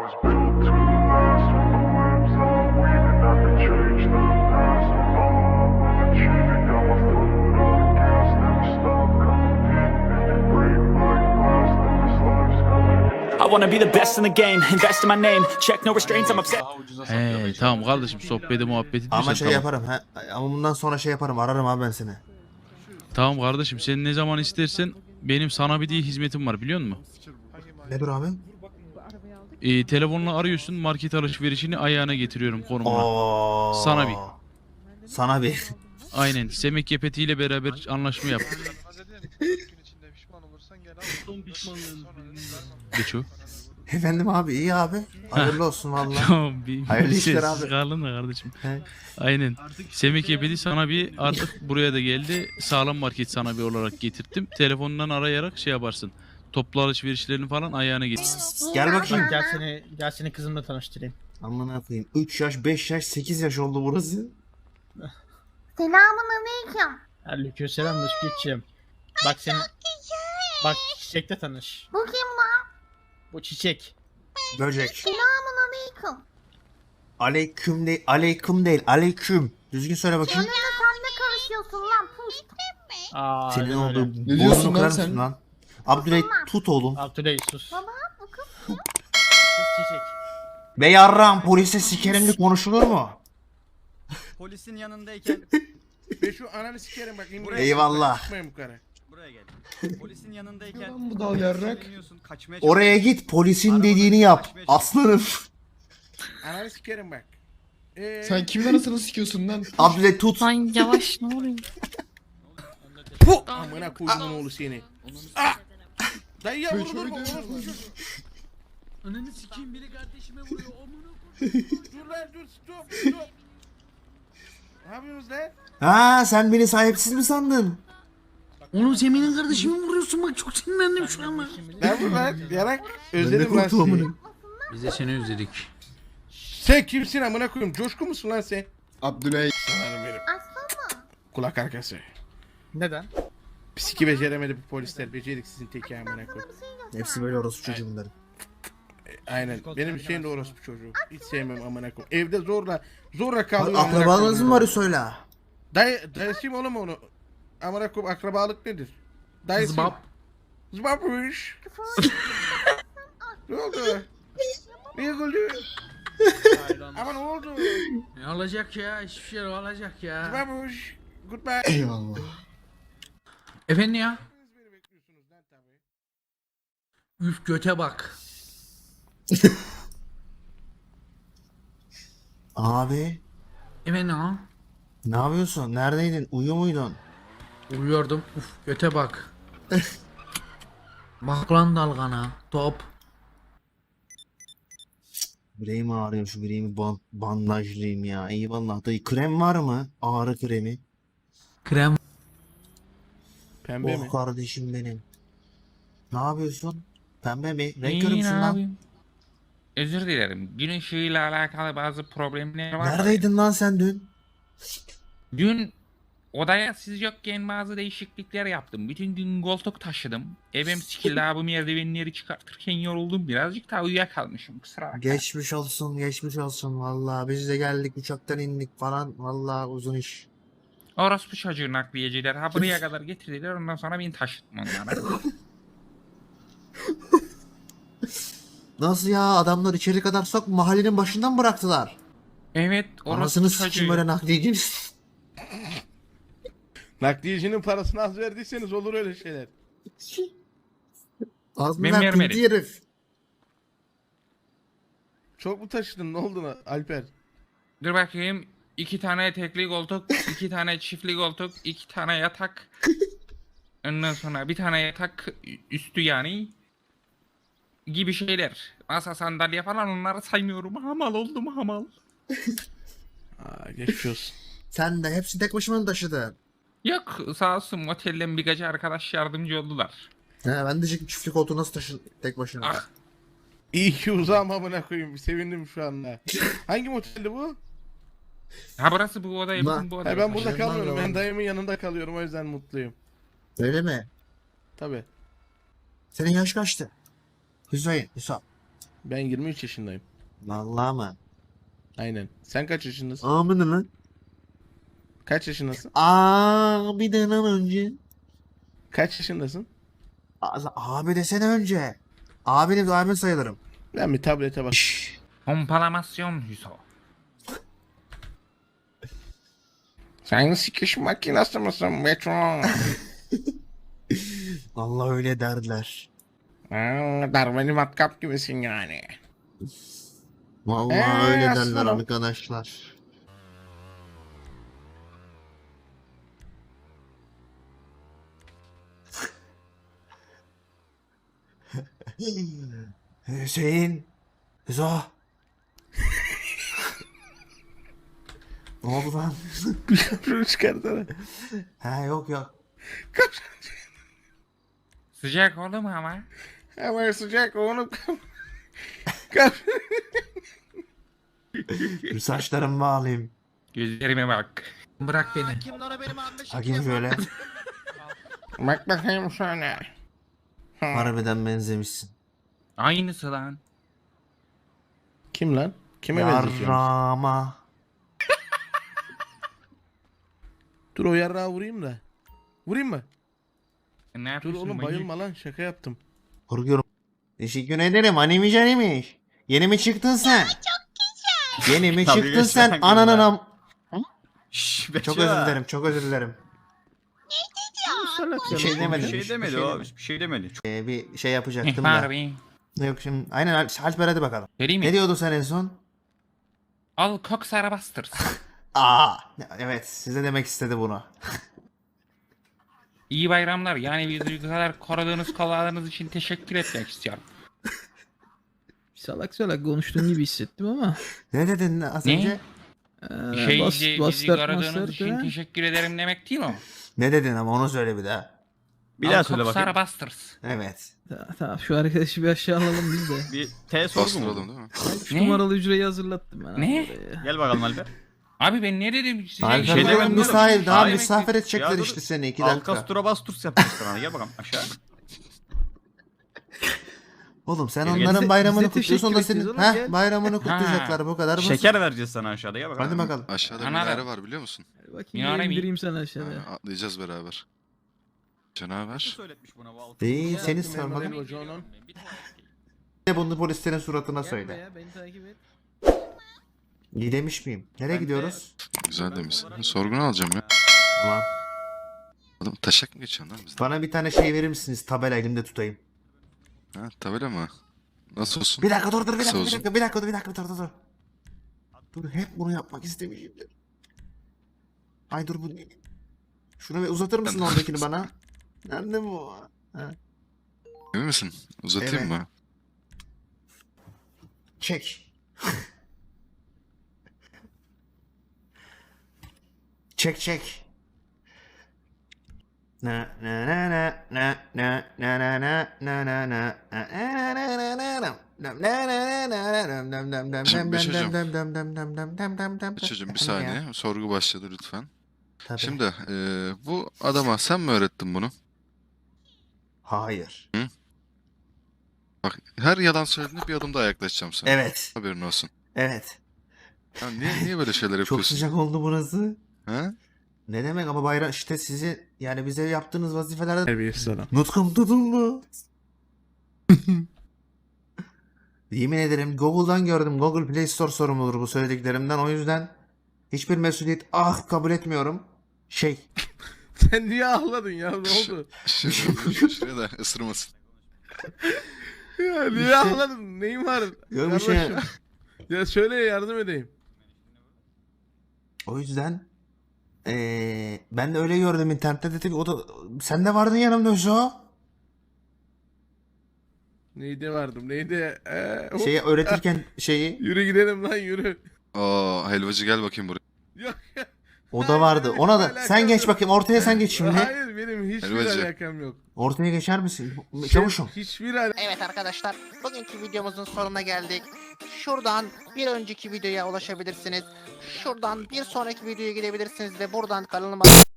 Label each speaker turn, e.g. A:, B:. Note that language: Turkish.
A: was built to last with the webs that I'm weaving. I could change the past, and all I will achieve it. Got my foot on the gas, never stop competing. If you break my glass, then this life's gonna end.
B: I wanna be the best in the game, invest in my name, check no restraints, I'm upset.
C: Daha ucuza satıyor.
D: Tamam kardeşim, sohbeti muhabbeti
E: Ama
D: diyorsan
E: şey
D: tamam.
E: yaparım ha. Ama bundan sonra şey yaparım. Ararım abi ben seni.
D: Tamam kardeşim, sen ne zaman istersen benim sana bir diye hizmetim var, biliyor musun?
E: Nedir abi?
D: Telefonla arıyorsun, market alışverişini ayağına getiriyorum konumuna.
E: Oo.
D: Sana bir.
E: Sana bir.
D: Aynen, Semek Kepeti'yle beraber anlaşma yaptık. Geç o.
E: Efendim abi, iyi abi. Hayırlı olsun vallahi.
D: Tamam, bir
E: Hayırlı işler
D: sessiz
E: abi.
D: kaldın da kardeşim.
E: He.
D: Aynen. Semek Kepeti sana bir, artık buraya da geldi. Sağlam market sana bir olarak getirttim. Telefondan arayarak şey yaparsın. Toplu alışverişlerini falan ayağına getir.
E: Gel bakayım.
F: Gel seni kızımla tanıştırayım.
E: Amına koyayım. 3 yaş, 5 yaş, 8 yaş oldu burası.
G: Selamun aleyküm.
F: Aleykümselam Rıfkı'cığım. Bak seni... Bak çiçekle tanış.
G: Bu kim lan?
F: Bu çiçek.
E: Böcek.
G: Selamun aleyküm.
E: Aleyküm değil, aleyküm değil, aleyküm. Düzgün söyle bakayım.
G: Seninle sen ne karışıyorsun lan pust?
F: Aa,
E: Senin
F: öyle
E: olduğu
F: öyle.
E: burnunu
H: diyorsun lan
E: kırar
H: sen?
E: mısın lan? Abdüley tut oğlum.
F: Abdüley sus.
G: Baba bu kız
F: Sus çiçek.
E: Be yarram, polise sikerimli konuşulur mu?
I: Polisin yanındayken
H: Ve şu ananı sikerim bak.
E: Eyvallah.
H: Çıkmayın bu kara.
I: buraya gel. Polisin yanındayken
H: Lan bu dal yarrak.
I: sinirleniyorsun, kaçmaya
E: Oraya git, polisin dediğini yap. Aslanım.
H: Ananı sikerim bak.
J: Sen kimin arasını sikiyorsun lan?
E: Abdüley tut.
K: Lan yavaş ne oluyor?
H: Puh! Amına koyduğun oğlu seni. Ah! Dayı ya vurdur mu?
D: Ananı sikeyim, biri kardeşime vuruyor.
H: Dur lan dur stop. Ne yapıyorsunuz lan?
E: Ha, sen beni sahipsiz mi sandın?
F: Oğlum sen benim kardeşimi vuruyorsun bak çok sinirlendim şu an.
H: Ne bu lan? Yarak.
E: Ben de
H: Özledim lan
E: korktum
H: seni.
E: amına.
D: Biz de seni özledik.
H: Sen kimsin amına koyayım? Coşku musun lan sen?
J: Abdüley.
H: Sanırım benim.
G: Aslan mı?
H: Kulak arkası.
F: Neden?
H: Psiki beceremedi bu polisler. Beceriksizin teki amına koyayım.
G: Bir şey göster.
E: Hepsi böyle orospu çocuğu bunların.
H: Aynen. Benim şeyim de orospu çocuğu. Hiç sevmem amına koyayım. Evde zorla kalıyor. amına
E: Akrabanız
H: koyayım.
E: mı var söyle.
H: Dayısıyım oğlum onu. Amına koyayım akrabalık nedir? Dayısıyım.
F: Zbap.
H: Zbapmış. Ne oldu? Niye güldün? Ama ne oldu?
D: Ne olacak ya? Hiçbir şey olacak ya.
H: Zbapmış. Goodbye.
J: Eyvallah.
D: Efendim ya?
H: Beni bekliyorsunuz lan tabii.
D: Üf, göte bak.
E: Abi,
D: Efendim ha?
E: ne yapıyorsun? Neredeydin? Uyuyor muydun?
D: Uyuyordum. Uf, göte bak. Bak lan dalgana. Top.
E: Bileğim ağrıyor, şu bileğimi bandajlayayım ya. Eyvallah dayı. Krem var mı? Ağrı kremi.
D: Krem.
H: Pembe
E: Oh
H: mi?
E: kardeşim benim. Ne yapıyorsun? Pembe mi? Renk
L: İyi,
E: körümsün
L: ne
E: lan.
L: yapayım? Özür dilerim. Gün ışığıyla alakalı bazı problemler var.
E: Neredeydin lan sen dün?
L: Dün odaya siz yokken bazı değişiklikler yaptım. Bütün gün koltuk taşıdım. Evim sikildi abi, merdivenleri çıkartırken yoruldum. Birazcık daha uyuyakalmışım. Kusura bakma.
E: Geçmiş olsun, geçmiş olsun. Vallahi biz de geldik, uçaktan indik falan. Vallahi uzun iş.
L: Orospu çocuğu nakliyeciler ha buraya kadar getirdiler. Ondan sonra beni taşıttım onlara.
E: Nasıl ya? Adamlar içeri kadar sok mahallenin başından bıraktılar.
L: Evet,
E: Anasını
L: orospu
E: sikeyim
L: çocuğu.
E: böyle nakliyeci.
H: Nakliyecinin parasını az verdiyseniz olur öyle şeyler.
E: Az mı
L: Ben
E: verdin
L: vermedim.
E: diye herif?
H: Çok mu taşıdın? Ne oldu lan Alper?
L: Dur bakayım. 2 tane tekli koltuk, 2 tane çiftli koltuk, 2 tane yatak. Ondan sonra bir tane yatak üstü yani. Gibi şeyler. Masa, sandalye falan, onları saymıyorum. Hamal oldum, hamal.
H: Aa, geçmiş olsun.
E: Sen de hepsi tek başına mı taşıdın?
L: Yok, sağ olsun otelden birkaç arkadaş yardımcı oldular.
E: He, ben de çiftlik koltuğu nasıl taşın tek başına?
L: Ah,
H: İyi ki uzağım amına koyayım. Sevindim şu anda. Hangi moteldi bu?
L: ha burası bu oda,
E: Ma-
L: bizim bu oda.
H: Ha, ben burada
E: Aşağıdan
H: kalmıyorum. Ben
E: devam.
H: dayımın yanında kalıyorum. O yüzden mutluyum.
E: Öyle mi?
H: Tabii.
E: Senin yaş kaçtı? Hüseyin, Hüsam.
H: Ben 23 yaşındayım.
E: Vallahi mı?
H: Aynen. Sen kaç yaşındasın?
E: Amına lan.
H: Kaç yaşındasın?
E: Bir dönem önce.
H: Kaç yaşındasın?
E: Abi desene önce. Abin sayılırım.
H: Ben bir tablete bak.
L: Pompalamasyon Hüso.
H: Sen sikiş makinası mısın Metro?
E: Vallahi öyle derdiler.
H: Darwin'i matkap gibisin yani.
E: Vallahi öyle derler
H: aslanım.
E: arkadaşlar. Hüseyin. Hüso. Ne oldu lan?
H: Şunu çıkartsana.
E: He yok.
L: Sıcak oldu mu ama?
H: Hemen sıcak oğlum.
E: Dur saçlarımı bağlayayım.
L: Gözlerime bak.
F: Bırak beni.
E: Bakayım şöyle.
H: Bak bakayım şöyle.
E: Harbiden benzemişsin.
L: Aynısı lan.
H: Kim lan? Kime benziyorsun?
E: Yarrama.
H: Dur o yarrağı vurayım da. Vurayım mı?
L: Ne
H: Dur
L: yapıyorsun
H: oğlum
L: manyak?
H: bayılma lan şaka yaptım.
E: Korkuyorum. Teşekkür ederim. Animecanıymış. Yeni mi çıktın sen? Çok güzel. Yeni mi
I: Tabii
E: çıktın
I: geçen
E: sen? Ananın
I: günler.
E: Çok
I: Beço.
E: özür dilerim. Bir şey demedim.
I: Bir şey demedi o. Bir şey demedi.
E: Bir şey yapacaktım
L: İhbar
E: da.
L: abi.
E: Yok şimdi. Aynen Alper hadi bakalım.
L: Vereyim mi?
E: Ne diyordun sen en son?
L: Al Cox Arabasters.
E: Evet size demek istedi bunu.
L: İyi bayramlar. Yani bizi bu kadar korudığunuz kolladığınız için teşekkür etmek istiyorum.
F: Salak konuştuğun gibi hissettim ama.
E: Ne dedin az
L: Ne?
E: önce?
L: Bizi
F: bastard
L: korudığınız
F: mastard
L: için
F: ha?
L: teşekkür ederim demek değil o.
E: Ne dedin ama onu söyle bir daha.
I: Bir daha
L: Al
I: söyle
L: Cox
I: bakayım.
L: Arabasters.
E: Evet.
F: Tamam şu arkadaşı bir aşağı alalım biz de.
I: Bir T sorgu
J: Bastıralım
I: mu?
J: değil mi?
F: 3
L: Ne?
F: numaralı hücreyi hazırlattım ben.
L: Ne?
F: abi buraya.
I: Gel bakalım Alper.
L: Abi ben ne dedim size?
E: Alper
I: şey
E: şey
I: demedim oğlum.
E: misafir daha
I: Hayır.
E: misafir edecekler
I: Ya dur.
E: işte seni 2 dakika.
I: Alkastura Basturs yapacağız sana. Gel bakalım aşağı.
E: Oğlum sen
L: Gel,
E: onların
F: bize-
E: bayramını
F: bize
E: kutluyorsun da
F: teşekkür
E: senin
F: edeceğiz oğlum, gel.
E: bayramını kutlayacaklar bu kadar basit.
I: Şeker vereceğiz sana aşağıda. Gel bakalım.
E: Hadi bakalım.
J: Aşağıda
L: Ana
J: minare
L: be.
J: var biliyor musun?
F: Bakayım
L: Minare mi?
F: indireyim sana
J: Ha,
F: aşağıya.
J: atlayacağız beraber.
I: Kim
J: Canavar.
I: söyletmiş buna bu altı?
E: Değil seni
H: Memur
E: sormadım.
H: Bey, hocanın.
E: Ne bunu polislerin suratına
F: Gel
E: söyle.
F: buraya, beni takip et.
E: İyi demiş miyim? Nereye
I: Ben de-
E: gidiyoruz?
J: Güzel demişsin. Sorgunu alacağım ya.
E: Tamam.
J: Oğlum taşak mı geçiyorsun lan bizden?
E: Bana bir tane şey verir misiniz? Tabela elimde tutayım.
J: Ha tabela mı? Nasıl olsun?
E: Bir dakika dur bir
J: Kısa
E: dakika
J: uzun.
E: bir dakika dur. Dur hep bunu yapmak istemişimdir. Ay dur bu. Şunu bir uzatır mısın oradakini bana? Nerede bu? Ha.
J: Emin misin? Uzatayım
E: Evet.
J: mı?
E: Çek. Çek. Na na na na na na na na na na na na
J: Çocuğum bir saniye. Sorgu başladı lütfen.
E: Tabii.
J: Şimdi bu adama sen mi öğrettin bunu?
E: Hayır.
J: Bak her yalan söylediğinde bir adım daha yaklaşacağım sana.
E: Evet.
J: Haberin olsun.
E: Evet.
J: Ya niye böyle şeyler
E: Çok
J: yapıyorsun?
E: sıcak oldu burası.
J: Ha?
E: Ne demek ama bayram işte sizi yani bize yaptığınız vazifelerde
H: Terbiyesiz adam.
E: nutkum tutuldu. Yemin ederim Google'dan gördüm. Google Play Store sorumludur bu söylediklerimden. O yüzden hiçbir mesuliyet kabul etmiyorum.
H: Sen niye ağladın ya ne oldu?
J: Şuraya da ısırmasın.
H: Ya niye ağladın? Neyin var?
E: Yok bir şey.
H: Kardeşim. Ya söyle yardım edeyim.
E: O yüzden ben de öyle gördüm internette dedim. O da sen de vardın yanımda Hüso.
H: Neydi vardım neydi? Hop.
E: Şeyi öğretirken şeyi
H: Yürü gidelim lan yürü.
J: Aa helvacı gel bakayım buraya.
H: Yok ya.
E: o da vardı.
H: Hayır,
E: Ona da
H: alakam
E: sen geç
H: yok.
E: bakayım ortaya sen geç şimdi.
H: Hayır benim hiçbir
J: Elvacı.
H: alakam yok.
E: Ortaya geçer misin? Çavuşum.
H: Hiçbir alakam.
C: Evet arkadaşlar, bugünkü videomuzun sonuna geldik. Şuradan bir önceki videoya ulaşabilirsiniz. Şuradan bir sonraki videoya gidebilirsiniz ve buradan kanalıma